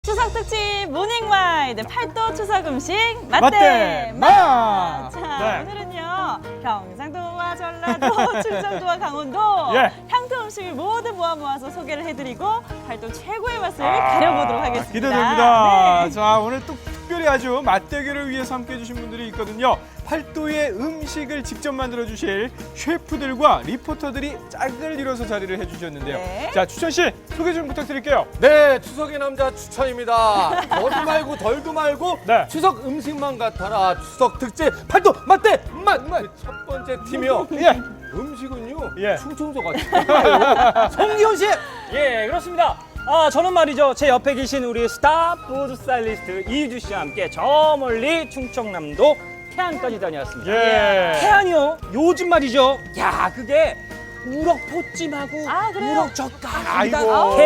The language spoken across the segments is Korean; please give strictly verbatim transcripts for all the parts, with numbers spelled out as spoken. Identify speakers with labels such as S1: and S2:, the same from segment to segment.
S1: 추석 특집 모닝마이드 팔도 추석 음식 맛대
S2: 맛대
S1: 맛!
S2: 맛!
S1: 자,
S2: 네.
S1: 오늘은요 경상도와 전라도, 충청도와 강원도
S2: 예.
S1: 향토 음식을 모두 모아 모아서 소개를 해드리고 팔도 최고의 맛을
S2: 아,
S1: 가려보도록 하겠습니다.
S2: 기대됩니다.
S1: 네.
S2: 자, 오늘 또 특별히 아주 맛대결을 위해서 함께 해주신 분들이 있거든요. 팔도의 음식을 직접 만들어 주실 셰프들과 리포터들이 짝을 이뤄서 자리를 해주셨는데요.
S1: 네.
S2: 자, 추천 씨 소개 좀 부탁드릴게요.
S3: 네, 추석의 남자 추천입니다. 더도 말고 덜도 말고
S2: 네.
S3: 추석 음식만 같아라. 추석 특집 팔도 맛대 맛맛 첫 번째 팀이요.
S2: 예.
S3: 음식은요.
S2: 예.
S3: 충청도가 최고예요. 송기현 씨.
S4: 예, 그렇습니다. 아, 저는 말이죠. 제 옆에 계신 우리 스타 푸드 스타일리스트 이유주 씨와 함께 저 멀리 충청남도 태안까지 다녀왔습니다.
S2: 예.
S4: 태안이요? 요즘 말이죠. 야, 그게 우럭 포찜하고
S1: 아, 그래요?
S4: 우럭 젓갈,
S2: 아이고.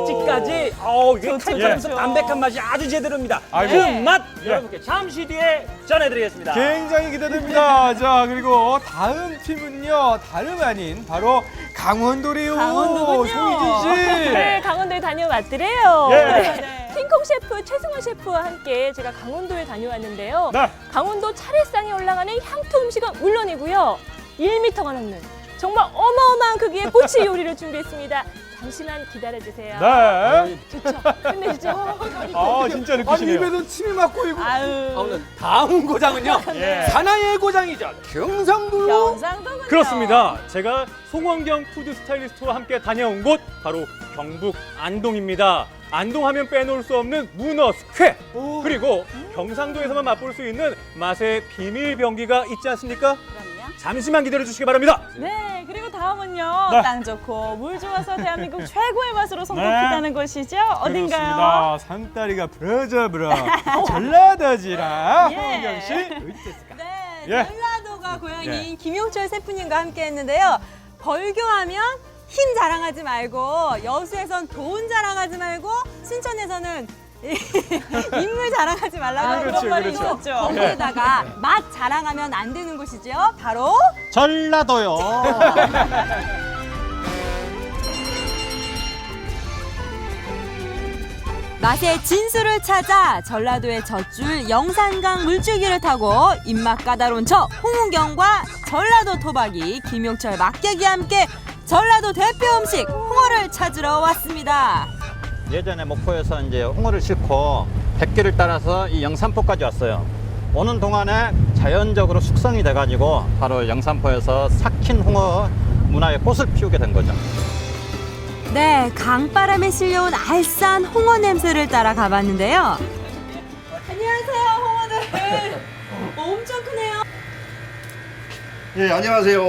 S4: 개국지까지 어우, 이게
S1: 좋죠,
S4: 칼칼하면서
S1: 좋죠.
S4: 담백한 맛이 아주 제대로입니다.
S2: 아이고.
S4: 그 맛
S2: 예.
S4: 여러분께 잠시 뒤에 전해드리겠습니다.
S2: 굉장히 기대됩니다. 자, 그리고 다음 팀은요. 다름 아닌 바로 강원도래요.
S1: 강원도군요.
S2: 송희진 씨.
S5: 네, 강원도에 다녀왔더래요.
S2: 예.
S1: 네.
S5: 킹콩 셰프 최승원 셰프와 함께 제가 강원도에 다녀왔는데요.
S2: 네.
S5: 강원도 차례상에 올라가는 향토 음식은 물론이고요. 일 미터가 넘는 정말 어마어마한 크기의 꼬치 요리를 준비했습니다. 잠시만 기다려주세요.
S2: 네.
S5: 좋죠? 끝내주죠?
S2: 아, 진짜
S3: 아니
S2: 느끼시네요.
S3: 입에서 침이 막고 이고.
S1: 아유.
S3: 아, 오늘 다음 고장은요.
S2: 예.
S3: 사나이의 고장이죠. 경상도.
S1: 경상도군요.
S6: 그렇습니다. 제가 송원경 푸드 스타일리스트와 함께 다녀온 곳 바로 경북 안동입니다. 안동하면 빼놓을 수 없는 문어 스퀘
S3: 오.
S6: 그리고 경상도에서만 맛볼 수 있는 맛의 비밀 병기가 있지 않습니까?
S1: 그럼요.
S6: 잠시만 기다려 주시기 바랍니다.
S1: 네, 그리고 다음은요.
S2: 네.
S1: 땅 좋고 물 좋아서 대한민국 최고의 맛으로 손꼽히다는 곳이죠. 어딘가요?
S2: 그렇습니다. 산다리가 브라자브라 전라도지라.
S1: 예.
S2: 홍경 씨.
S7: 네,
S2: 예.
S7: 전라도가 고향인
S2: 예.
S7: 김용철 셰프님과 함께 했는데요. 벌교하면 힘 자랑하지 말고, 여수에선 돈 자랑하지 말고, 순천에서는 인물 자랑하지 말라고
S1: 아,
S7: 하는
S2: 그렇죠,
S7: 그런 말이
S2: 그렇죠.
S7: 있었죠. 거기에다가 맛 자랑하면 안 되는 곳이죠. 바로
S8: 전라도요.
S7: 맛의 진수를 찾아 전라도의 젖줄 영산강 물줄기를 타고 입맛 까다로운 저 홍은경과 전라도 토박이 김용철 막객이 함께 전라도 대표 음식 홍어를 찾으러 왔습니다.
S8: 예전에 목포에서 이제 홍어를 싣고 백길을 따라서 이 영산포까지 왔어요. 오는 동안에 자연적으로 숙성이 돼가지고 바로 영산포에서 삭힌 홍어 문화의 꽃을 피우게 된 거죠.
S7: 네, 강바람에 실려온 알싸한 홍어 냄새를 따라 가봤는데요. 안녕하세요, 홍어들. 엄청 크네요.
S9: 예, 안녕하세요.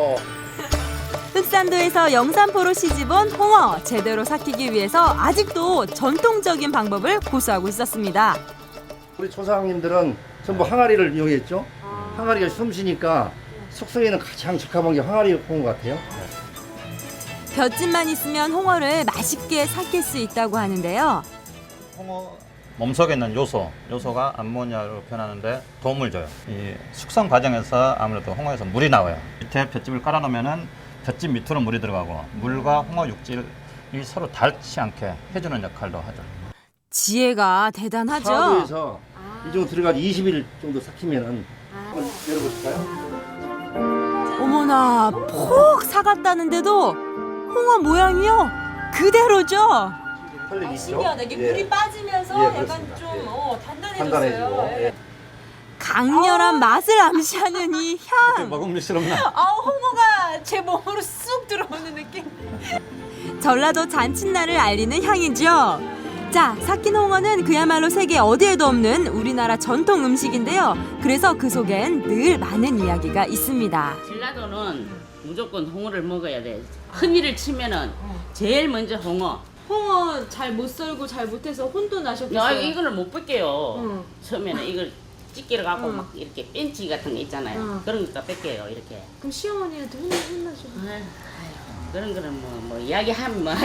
S7: 흑산도에서 영산포로 시집온 홍어 제대로 삭히기 위해서 아직도 전통적인 방법을 고수하고 있었습니다.
S9: 우리 조상님들은 전부 항아리를 이용했죠. 항아리가 숨쉬니까 숙성에는 가장 적합한 게 항아리 홍어 같아요.
S7: 볏짚만 있으면 홍어를 맛있게 삭힐 수 있다고 하는데요.
S8: 홍어 몸속에 있는 요소, 요소가 암모니아로 변하는데 도움을 줘요. 이 숙성 과정에서 아무래도 홍어에서 물이 나와요. 밑에 볏짚을 깔아놓으면은 볏짚 밑으로 물이 들어가고 물과 홍어 육질이 서로 닳지 않게 해주는 역할도 하죠.
S7: 지혜가 대단하죠.
S9: 사도에서 이 정도 들어가서 이십 일 정도 삭히면은 한번 열어보실까요?
S7: 어머나, 폭 사갔다는데도 홍어 모양이요 그대로죠.
S9: 털리기 있죠?
S7: 신기하다. 이게
S9: 예.
S7: 물이 빠지면서
S9: 예,
S7: 약간
S9: 그렇습니다.
S7: 좀
S9: 예.
S7: 어, 단단해졌어요.
S9: 단단해지고.
S7: 예.
S9: 예.
S7: 강렬한 맛을 암시하는 이 향.
S8: 먹음직스럽나?
S7: 아, 홍어가 제 몸으로 쑥 들어오는 느낌. 전라도 잔칫날을 알리는 향이죠. 자, 삭힌 홍어는 그야말로 세계 어디에도 없는 우리나라 전통 음식인데요. 그래서 그 속엔 늘 많은 이야기가 있습니다.
S10: 전라도는 무조건 홍어를 먹어야 돼. 흔히를 치면은 제일 먼저 홍어.
S5: 홍어 잘 못 썰고 잘 못해서 혼도
S10: 야,
S5: 나셨겠어요.
S10: 이거를 못 뺄게요.
S5: 응.
S10: 처음에는 이걸 찌개를 갖고
S5: 응.
S10: 막 이렇게 벤치 같은 거 있잖아요.
S5: 응.
S10: 그런 것도 뺄게요, 이렇게.
S5: 그럼 시어머니한테 혼나, 혼나시고.
S10: 아유, 그런 거는 뭐, 뭐 이야기하면 뭐.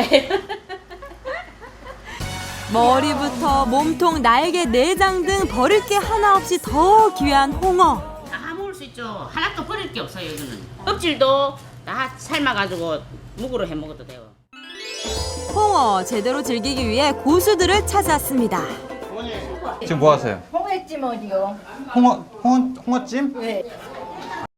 S7: 머리부터 몸통, 날개, 내장 등 버릴 게 하나 없이 더 귀한 홍어.
S10: 다 먹을 수 있죠. 하나도 버릴 게 없어요, 이거는. 껍질도 다 삶아가지고 묵으로 해 먹어도 되고.
S7: 홍어 홍어 제대로 즐기기 위해 고수들을 찾았습니다.
S8: 지금 뭐 하세요?
S11: 홍해찜 어디요?
S8: 홍어, 홍어, 홍어찜?
S11: 네.